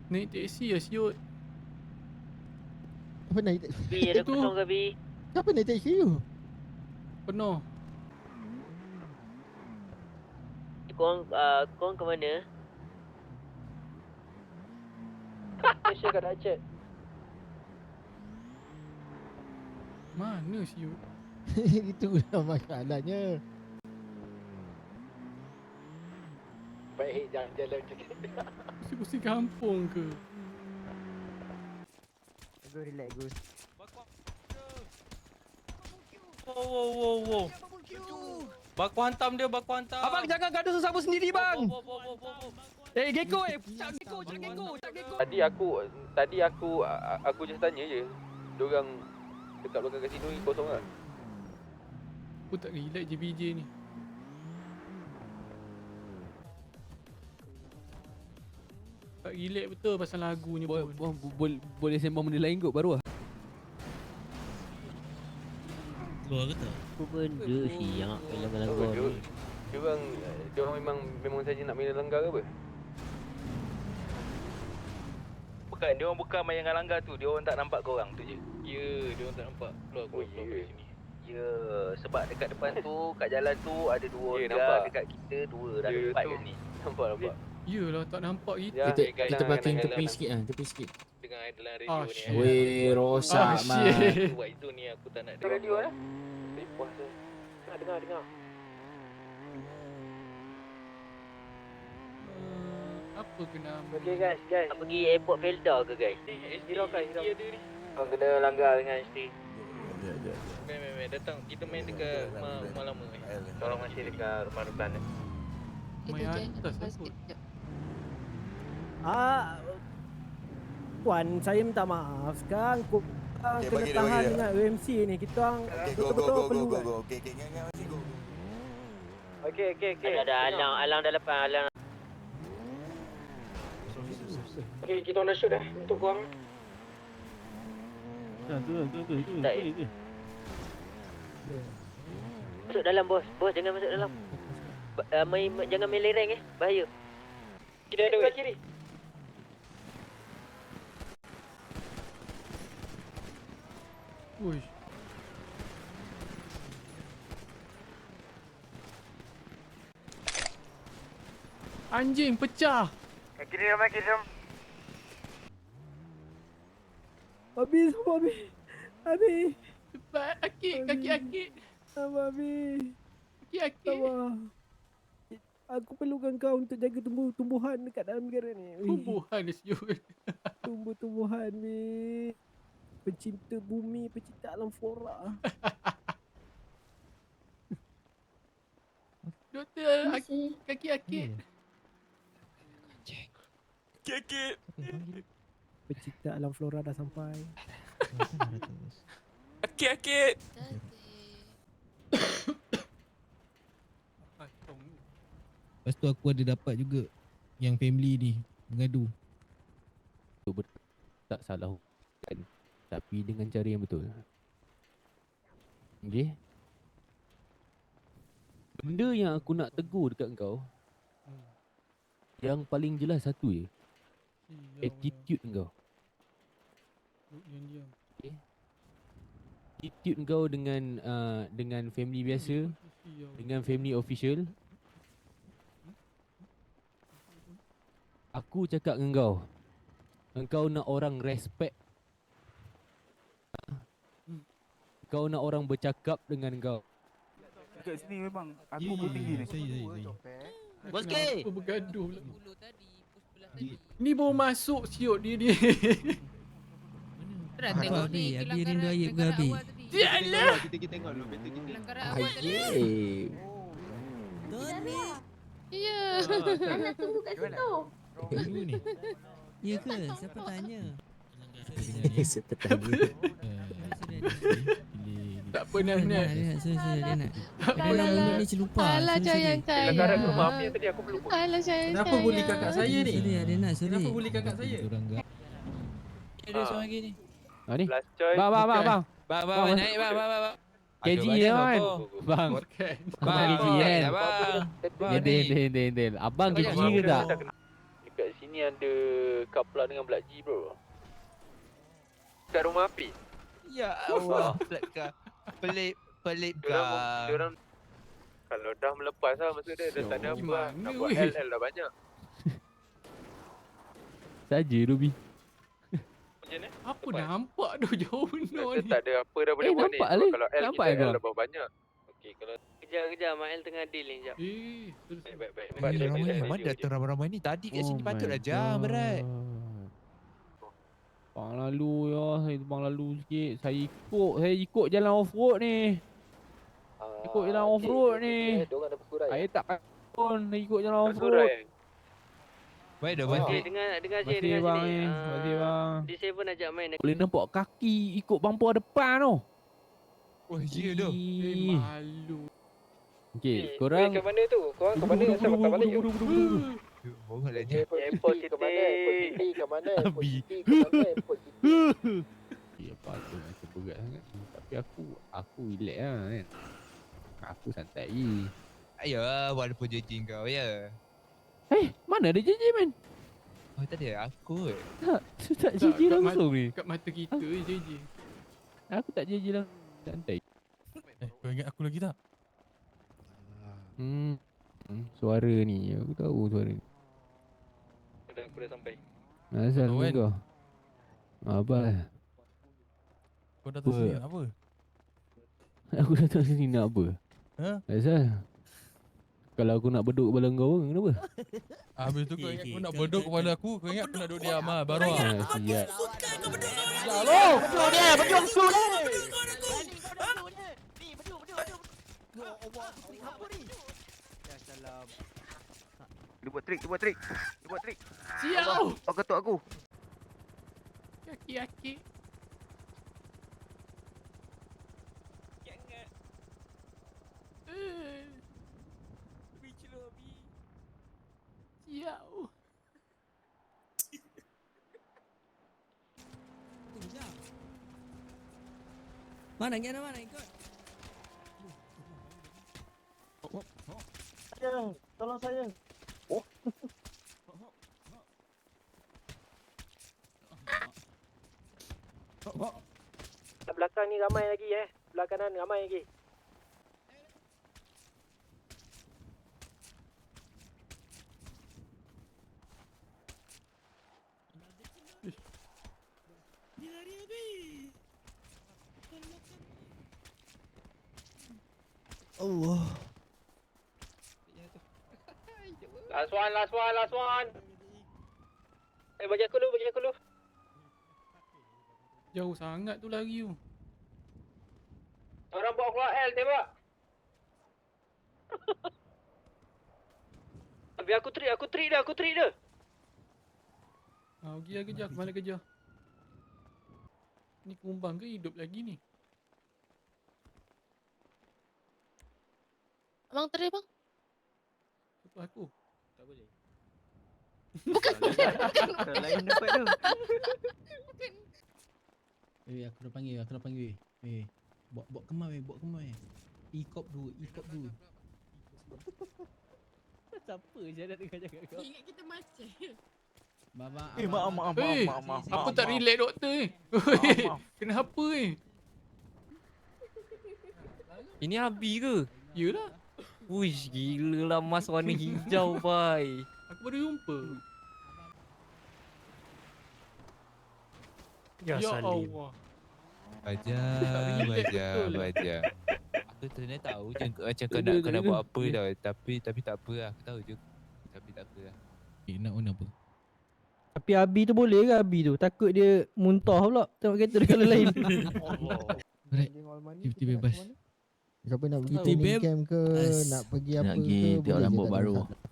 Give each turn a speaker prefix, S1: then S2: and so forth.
S1: Naik teksi lah siut.
S2: Apa naik taksi?
S3: B ada
S1: Itu.
S3: kosong ke B?
S2: Siapa naik taksi tu?
S1: Penuh.
S3: Korang ke mana? Malaysia kat Aceh.
S1: Mana siut?
S2: Itulah masalahnya.
S4: Baik, jangan jalan macam ni.
S1: Pusing-pusing kampung ke?
S2: Go relax, go.
S5: Wow. Baku hantam dia, baku hantam.
S6: Abang jangan gaduh sesama sendiri bang.
S5: Wow.
S6: Eh Gecko cak Gecko.
S4: Tadi aku just tanya je. Diorang dekat belakang kasino ni kosong tak?
S1: Aku tak relax JBJ ni. Tak relax betul pasal lagunya pun.
S6: Boleh sembang benda lain kot baru lah.
S7: Keluar ke tak?
S3: Apa benda siap lagu-lagu ni?
S4: Diorang memang saja nak main langgar ke apa?
S5: Bukan, dia orang bukan main dengan langgar tu. Dia orang tak nampak korang tu je. Ya, dia orang tak nampak. Keluar dari sini. Ya, sebab dekat depan tu, kat jalan tu ada dua
S4: Ya,
S5: orang.
S4: nampak.
S5: Dekat kita dua, dah
S4: Ya,
S5: empat
S4: tu.
S5: kat ni.
S4: Nampak.
S1: Yelah tak nampak kita.
S4: Ya,
S2: Kita parking tepi sikit lah, tepi sikit.
S5: Dengan dalam radio ni.
S1: shit.
S2: Weh, rosak mat.
S1: shit.
S5: Buat itu ni aku tak nak
S4: Radio
S5: dengar.
S4: Puas lah.
S3: Dengar.
S1: Apa kena?
S3: Okay guys. Nak pergi airport Felda ke guys?
S5: Hirakan.
S3: Kau kena langgar dengan ST.
S5: Main. Datang, kita main dekat rumah lama ni.
S3: Korang masih dekat rumah Rukan ni.
S1: Main atas lah kot.
S8: Puan, saya minta maaf. Sekarang kena tahan dengan UMC ni. Kita orang betul-betul perlu.
S3: Okay. Ada alang dah lepas alang.
S8: Okay, kita orang dah shoot dah untuk korang.
S3: Tak ya? Masuk dalam bos. Bos jangan masuk dalam. Jangan main lereng bahaya.
S8: Kita ada kat kiri.
S1: Uish. Anjing pecah.
S4: Kiri ramai.
S8: Habis.
S1: Cepat akik, kaki akik.
S8: Habis.
S1: Kaki akik.
S8: Sabar. Aku perlukan kau untuk jaga tumbuhan dekat dalam negara ni.
S1: Tumbuhan dia siut.
S8: Tumbuh-tumbuhan ni. Pencinta bumi, pencinta alam flora.
S1: Doktor, kaki akik.
S8: Pencinta alam flora dah sampai.
S5: Akit.
S7: Lepas tu aku ada dapat juga yang family ni mengadu.
S6: Tak salah kan. Tapi dengan cara yang betul. Okay. Benda yang aku nak tegur dekat kau, yang paling jelas satu je, attitude kau.
S1: Diam.
S6: Attitude kau dengan family biasa, dengan family official. Aku cakap dengan kau, engkau nak orang respect. Kau nak orang bercakap dengan kau.
S9: Dekat sini memang aku pun tinggi ni.
S7: Saya.
S1: Bos K. Apa bergaduh pula. Ni baru masuk siut dia.
S7: Dah tengok ni, Abi rindu ayat ke Abi?
S1: Sialah.
S4: Kita tengok dulu. Betul kita.
S2: Ayy.
S10: Ya. Anak tunggu kat situ.
S7: Dulu ni. Ya ke? Siapa tanya?
S2: Siapa tanya?
S1: Tak pernah nak.
S7: Dia nak.
S10: Alah.
S7: Mulut ni celupa.
S10: Alah sayang saya.
S4: Langgaran rumah apa yang tadi aku belum.
S10: Alah sayang saya.
S7: Kenapa bully kakak saya ni? Dia nak sorry. Kenapa bully kakak saya?
S5: Ada seorang lagi ni.
S6: Ni.
S4: Last choice.
S6: Bang.
S5: Bang, naik bang.
S6: KG dia kan. Bang.
S1: Bukan.
S6: Abang KG kan.
S5: Bang.
S6: Del. Abang KG ke tak?
S4: Dekat sini Sini ada Kapla dengan Black G bro. Kat rumah api.
S5: Ya Allah, pelik
S4: Diorang kalau dah melepas lah maksud dia dah tak ada apa lah.
S1: Gimana,
S4: Nak buat
S1: weh?
S4: LL dah banyak.
S6: Saja Ruby.
S4: Macam mana?
S1: Apa nampak tu jauh benar
S4: Dia
S1: ni.
S4: tak ada apa dah boleh buat ni.
S6: nampak
S4: Sebab
S6: ni.
S4: kalau L
S6: Nampak
S4: kita
S6: kau?
S4: L lebih banyak. Okey kalau
S3: Kejap, Mael tengah deal ni, sekejap.
S1: Terus.
S4: baik.
S5: Mana datang ramai-ramai ni? Tadi kat sini patut dah jam berat.
S6: Bang lalu ya, saya bang lalu sikit. Saya ikut jalan off-road ni. Ikut jalan off-road ni.
S4: Diorang dah berkurai.
S6: Saya tak pun ikut jalan off-road.
S4: Berkurai.
S5: Baik dah
S3: Okey, dengar saya, dengar
S6: bang
S3: sini.
S6: ni. Terima kasih bang.
S3: D7 ajak main.
S6: Boleh nampak kaki ikut bumper depan tu.
S5: Oh, ya tu.
S1: Malu.
S6: Okey, korang
S4: Kat mana tu? Korang kat mana? Asal patah balik je.
S5: Bohong lah je.
S4: Airport City ke mana? Airport City ke mana? Airport
S6: Abi.
S4: City ke mana? Airport City.
S6: Ya apa tu macam berat sangat. Tapi aku relax lah kan. Aku santai je.
S5: Ayo, walaupun jejing kau ya.
S6: Mana ada JJ man?
S5: Oh, tak ada aku.
S6: Tak
S1: Tak,
S6: JJ
S1: kat
S6: langsung ni.
S1: Kat mata kita je.
S6: Aku tak JJ langsung. Santai.
S7: Kau ingat aku lagi tak?
S6: Suara ni, aku tahu suara ni.
S4: Aku dah sampai.
S6: Asal
S7: Tahu kan?
S6: kau? Abang.
S7: Kau datang
S6: Apa?
S7: sini nak apa?
S6: Aku datang sini nak apa?
S7: Ha?
S6: Asal? Kalau aku nak beduk kepala kau pun, kenapa?
S7: Habis tu kau ingat kau nak beduk kepala aku, kau ingat aku nak duduk diam ah, baru ah.
S6: Siap.
S9: Dia buat trik, dia buat trik.
S1: Siap.
S9: Kau ketuk aku.
S1: Kaki-kaki. Siap.
S8: Mana ikut?
S9: Tolong saya.
S3: Belakang ni ramai lagi Belah kanan ramai lagi.
S7: Allah.
S3: Last one. Bagi aku dulu.
S1: Jauh sangat tu lari tu.
S3: Orang bawa keluar L, tembak. Biar aku trik dia.
S1: Pergi lah kejar. Mana kejar? Ni kumbang ke hidup lagi ni?
S10: Abang teri bang.
S1: Siapa aku?
S2: Tak boleh.
S9: Lain dapat tu.
S7: Aku dah panggil. Buat kemar weh. E-cop dulu.
S6: Siapa je nak dengar cakap kau?
S10: Ingat kita macam.
S9: Maaf.
S1: Aku tak relax doktor ni. Kenapa ni?
S11: Ini Abi ke?
S1: Yelah.
S11: Uish, gila lah mas warna hijau, bai.
S1: Aku baru jumpa.
S11: Ya, Salim.
S1: Allah.
S5: Baja. Aku sebenarnya tahu je macam kau nak buat apa tau. Tapi tak apa lah. Aku tahu je. Tapi tak apa lah.
S7: Nak on apa?
S8: Tapi Abi tu boleh ke Abi tu? Takut dia muntah pula tengok kereta dia kalau lain.
S7: Cuti bebas.
S8: Siapa nak
S7: pergi training
S8: camp ke, nak pergi apa
S2: Nak pergi tengok rambut baru.